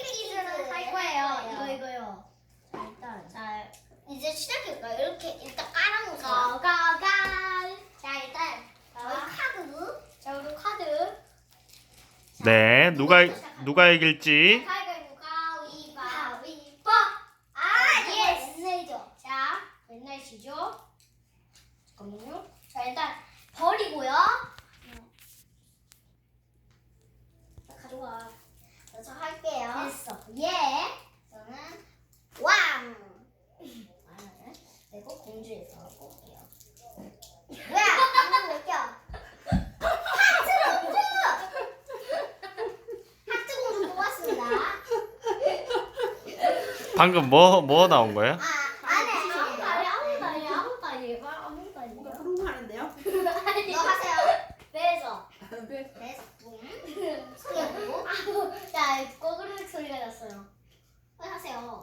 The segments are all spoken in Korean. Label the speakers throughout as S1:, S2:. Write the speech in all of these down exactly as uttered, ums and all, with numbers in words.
S1: 퀴즈를 할 거예요. 이거 이거요. 자 일단 자 이제 시작할까요? 이렇게 일단 깔아놓으세요. 고고고. 자 일단 저희 카드. 자 우리 카드.
S2: 네, 누가 누가 이길지.
S1: 가위바위보 가위바위보. 아 예스. 맨날이죠. 자 맨날이죠. 잠깐만요. 자 일단 버리고요. 자, 가져와. 자, 저 할게요. 됐어. 예. 저는 왕. 왕을 내고 공주에서 볼게요. 뭐야? 방금 몇 개? 하트 공주. 하트 공주 뽑았습니다.
S2: 방금 뭐 뭐 나온 거예요?
S1: 아 안에 아무도 아니 아무도 아니 아무도 아니에요. 아무도 아니에요.
S3: 뭔가 흥분하는데요?
S1: 너 하세요. 배에서.
S3: 네.
S1: 배에서 붐. 소리가 나고. 자 꼬그르륵 소리가 났어요. 빨리 하세요.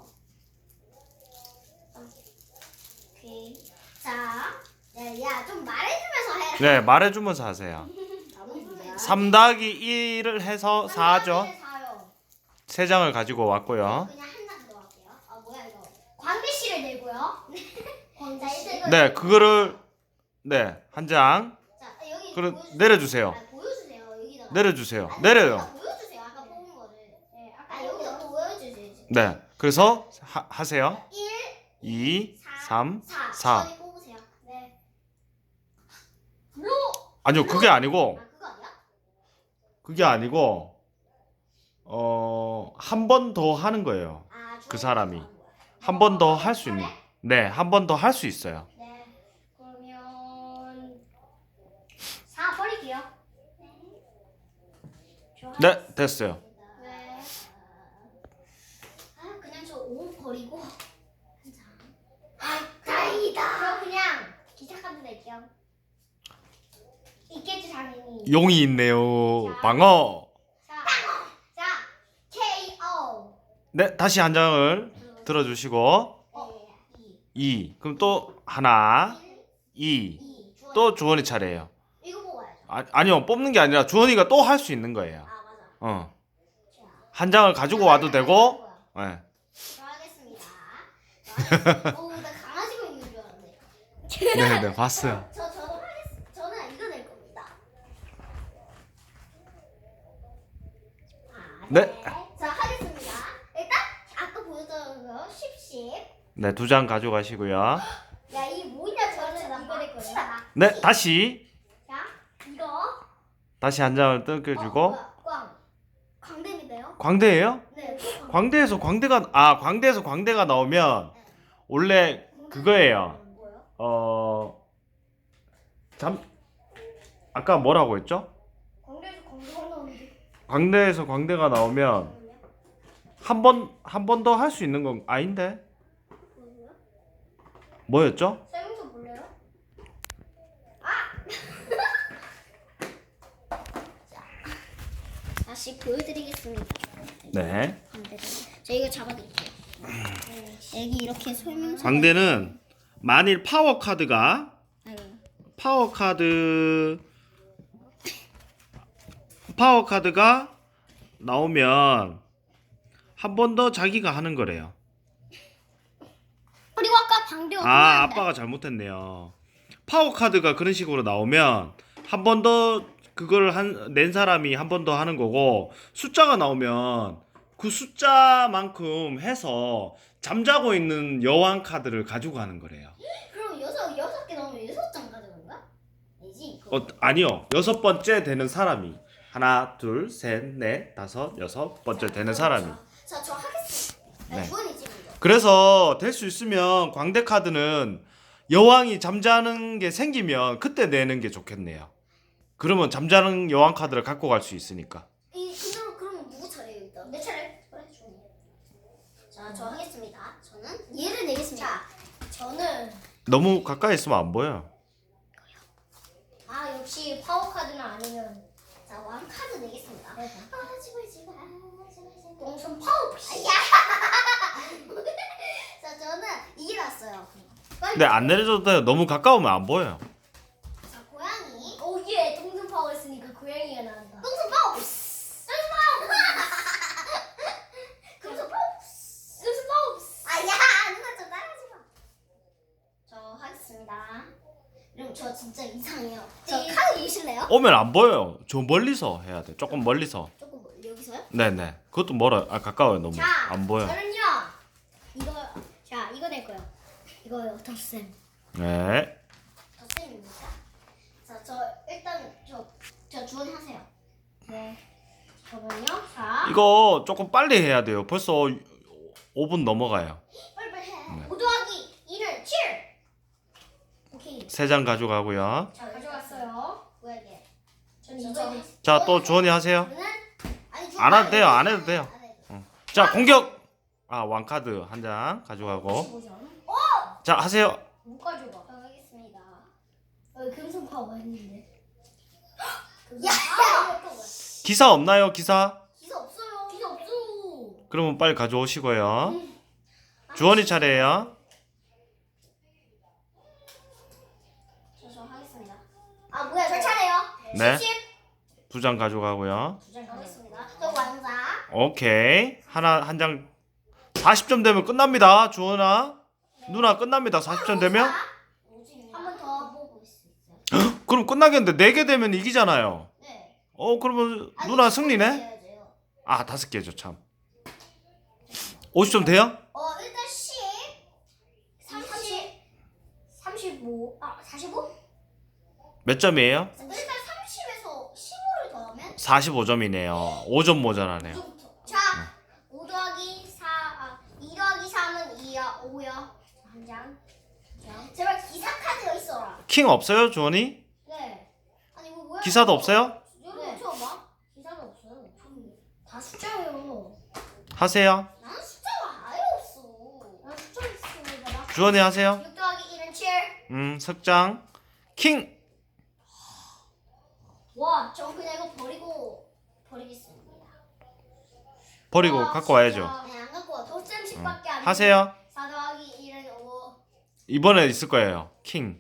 S1: 오케이. 자, 야, 좀 말해주면서 해라.
S2: 네, 말해주면서 하세요.
S3: 아버지입니다.
S2: 삼 더하기 일을 해서 사죠.
S1: 사요.
S2: 세 장을 가지고 왔고요.
S1: 그냥 한 장 더 할게요. 아 뭐야 이거. 광대씨를 내고요. 광대씨.
S2: 네, 그거를 네, 한 장.
S1: 자 여기
S2: 그럼
S1: 보여주세요.
S2: 내려주세요.
S1: 아, 보여주세요. 여기다가.
S2: 내려주세요.
S1: 아니,
S2: 내려요.
S1: 여기다 보여주세요. 아까 뽑은 거를. 네, 아까 여기다 또 보여주세요.
S2: 네, 그래서 하, 하세요.
S1: 일,
S2: 이, 삼,
S1: 사.
S2: 사.
S1: 저희 뽑으세요. 네. 블로.
S2: 아니요, 그게 아니고
S1: 아 그거 아니야?
S2: 그게 아니고 어, 한 번 더 하는 거예요.
S1: 아,
S2: 그
S1: 저희
S2: 사람이.
S1: 뽑은 거야.
S2: 한 번 더 할 수 있는. 네, 한 번 더 할 수 있어요.
S1: 네. 그러면 사 버릴게요. 네.
S2: 네, 됐어요.
S1: 네. 아 그냥 저 오 버리고 한 장. 아 다행이다. 저 그냥 기차 카드 낼게요. 있겠지 당연히.
S2: 용이 있네요. 방어.
S1: 자, 자 케이오.
S2: 네, 다시 한 장을 들어주시고
S1: 네. 이.
S2: 이. 그럼 또 하나, 이.
S1: 이. 주원이.
S2: 또 주원이 차례예요.
S1: 이거 뽑아야죠.
S2: 아, 아니요, 뽑는 게 아니라 주원이가 또 할 수 있는 거예요.
S1: 아 맞아.
S2: 어,
S1: 자.
S2: 한 장을 가지고 와도 되고. 네.
S1: 저 하겠습니다. 저 하겠습니다. 오, 나 강아지가 있는 줄 알았네.
S2: 네, 네, 봤어요.
S1: 저 저도 하겠습니다. 저는 이거 낼 겁니다. 아,
S2: 네.
S1: 자 하겠습니다. 일단 아까 보여줬던 거 십십.
S2: 네, 두 장 가져가시고요.
S1: 야이 뭐냐 저는 이거 낼 거야.
S2: 네, 다시
S1: 자 이거.
S2: 다시 한 장을
S1: 어,
S2: 뜯겨주고.
S1: 뭐야, 꽝. 광대인데요?
S2: 광대예요?
S1: 네. 또 광.
S2: 광대에서 광대가 아 광대에서 광대가 나오면 원래 그거예요.
S1: 뭐요?
S2: 어, 잠 아까 뭐라고 했죠?
S1: 광대에서 광대가 나오는데.
S2: 광대에서 광대가 나오면 한 번 한 번 더 할 수 있는 건 아닌데
S1: 뭐요?
S2: 뭐였죠?
S1: 설명서 볼래요? 아! 자, 다시 보여드리겠습니다.
S2: 네.
S1: 광대를. 저 이거 잡아드릴게요. 여기 이렇게 설명서.
S2: 광대는 만일 파워 카드가 파워 카드 파워 카드가 나오면 한 번 더 자기가 하는 거래요.
S1: 그리고 아까 방대가
S2: 아, 아빠가 잘못했네요. 파워 카드가 그런 식으로 나오면 한 번 더 그걸 한 낸 사람이 한 번 더 하는 거고, 숫자가 나오면 그 숫자만큼 해서 잠자고 있는 여왕 카드를 가지고 가는 거래요.
S1: 그럼 여섯 여섯 개 나오면 여섯 장 가져가는 거야? 아니지.
S2: 어, 아니요. 여섯 번째 되는 사람이 하나, 둘, 셋, 넷, 다섯, 여섯 번째 되는 사람이.
S1: 자, 저 하겠습니다.
S2: 네.
S1: 주원이지 먼저.
S2: 그래서 될 수 있으면 광대 카드는 여왕이 잠자는 게 생기면 그때 내는 게 좋겠네요. 그러면 잠자는 여왕 카드를 갖고 갈 수 있으니까.
S1: 이 그대로 그러면 누구 차례예요 일단? 내 차례. 그래 주원이. 자, 저 하겠습니다. 저는 얘를 내겠습니다. 자, 저는
S2: 너무 가까이 있으면 안 보여.
S1: 아 역시 파워 카드는 아니면 자, 왕 카드 내겠습니다. 아, 제발 제발 제발 제발. 동선 파워. 야. 자, 저는 이게 났어요. 빨리.
S2: 근데 안 내려줘도 돼요. 너무 가까우면 안 보여요.
S1: 자, 고양이. 오, 예, 동선 파워 했으니까 고양이가 나온다. 동선 파워. 동선 파워.
S2: 오면 안 보여요. 저 멀리서 해야 돼. 조금 멀리서.
S1: 조금 멀- 여기서요?
S2: 네네. 그것도 멀어요. 아 가까워요 너무.
S1: 자,
S2: 안 보여.
S1: 저는요. 이거 자 이거 낼 거요. 이거요 덧셈.
S2: 네.
S1: 덧셈입니다. 자, 저 일단 저저 주원하세요. 네. 잠깐만요. 자.
S2: 이거 조금 빨리 해야 돼요. 벌써 오 분 넘어가요.
S1: 빨리빨리 해.
S2: 네.
S1: 오 더하기 이는 칠. 오케이.
S2: 세 장 가져가고요.
S1: 자 가져갔어요. 뭐야 이게? 전 이거
S2: 자 또 주원이 하세요.
S1: 저는 아니 저
S2: 안 해도 돼요, 안 해도 돼요.
S1: 안 해도.
S2: 어. 자 공격. 아 왕카드 한 장 가져가고.
S1: 십오 점.
S2: 자 하세요.
S1: 못 가져가. 저 하겠습니다. 어, 금속 파워 했는데. 야, 야.
S2: 기사 없나요 기사?
S1: 기사 없어요. 기사 없어.
S2: 그러면 빨리 가져오시고요. 주원이 차례예요.
S1: 저, 저 하겠습니다. 아 뭐야? 저 차례요.
S2: 네.
S1: 십.
S2: 두 장 가져가고요.
S1: 두장 가겠습니다. 저 왕자.
S2: 오케이. 하나 한 장 사십 점 되면 끝납니다. 주원아. 누나 끝납니다. 사십 점 되면.
S1: 한 번 더 보고 있어요.
S2: 그럼 끝나겠는데 네 개 되면 이기잖아요.
S1: 네.
S2: 어 그러면 누나 승리네?
S1: 해야죠.
S2: 아 다섯 개죠 참. 오십 점 돼요?
S1: 어 일단 십, 삼십, 삼십오, 아 사십오?
S2: 몇 점이에요?
S1: 일단 삼십에서 십오를 더하면
S2: 사십오 점이네요. 오 점 모자라네요.
S1: 자, 오 더하기 사, 아, 이 더하기 삼은 이야, 오야. 한 장. 장. 제발 기사 카드가 있어라.
S2: 킹 없어요 주원이?
S1: 네. 아니 이거 뭐야?
S2: 기사도 없어요?
S1: 네. 처음 봐? 기사도 없어요. 다 숫자예요.
S2: 하세요.
S1: 나는 숫자가 아예 없어. 난 숫자 있습니다. 나
S2: 주원이 하세요.
S1: 육 더하기 일은 칠.
S2: 음 석장. 킹.
S1: 와, 전 그냥 이거 버리고 버리겠습니다.
S2: 버리고
S1: 와,
S2: 갖고 와야죠.
S1: 진짜. 네, 안 갖고 와. 덧셈씩밖에 안 돼.
S2: 하세요.
S1: 사 더하기 일은 오.
S2: 이번에 있을 거예요. 킹.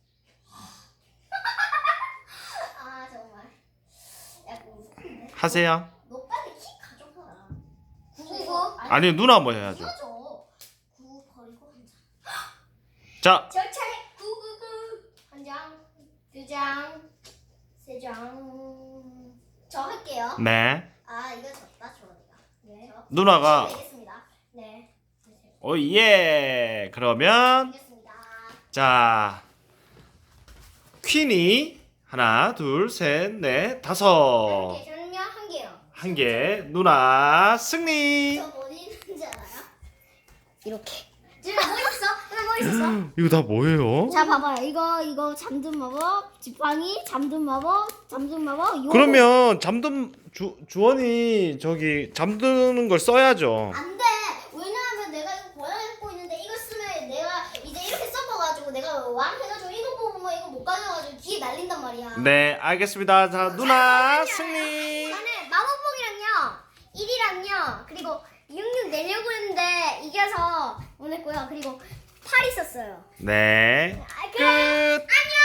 S1: 아, 정말. 약간 웃긴데.
S2: 하세요.
S1: 너 빨리 키 가져가라. 구구구.
S2: 아니 누나 뭐 해야죠.
S1: 이거죠. 구 버리고 한 장.
S2: 자
S1: 저 차례 구구구. 한 장, 두 장, 세 장. 저 할게요.
S2: 네.
S1: 아, 이거 졌다, 저거니까. 네. 저
S2: 누나가
S1: 되겠습니다. 네.
S2: 오예. 그러면
S1: 되겠습니다.
S2: 자 퀸이 하나 둘셋넷 다섯
S1: 한 개, 저는요 한 개요.
S2: 한 개. 누나 승리.
S1: 저 어디 있는지 알아요? 이렇게. 지금 뭐 있어? 지금 뭐 있었어?
S2: 이거 다 뭐예요?
S1: 자 봐봐요. 이거 이거 잠든 마법, 지팡이, 잠든 마법, 잠든 마법. 요거.
S2: 그러면 잠든 주 주원이 저기 잠드는 걸 써야죠.
S1: 안 돼. 왜냐하면 내가 이거 고양이고 있는데 이거 쓰면 내가 이제 이렇게 써봐가지고 내가 왕 해가지고 이거 뽑으면 이거 못 가져가지고 뒤에 날린단 말이야.
S2: 네 알겠습니다. 자 누나 승리.
S1: 저는 마법봉이랑요, 일이랑요, 그리고 육육 내려고 했는데 이겨서 못 냈고요. 그리고 팔 있었어요.
S2: 네
S1: 아,
S2: 끝.
S1: 그래. 안녕.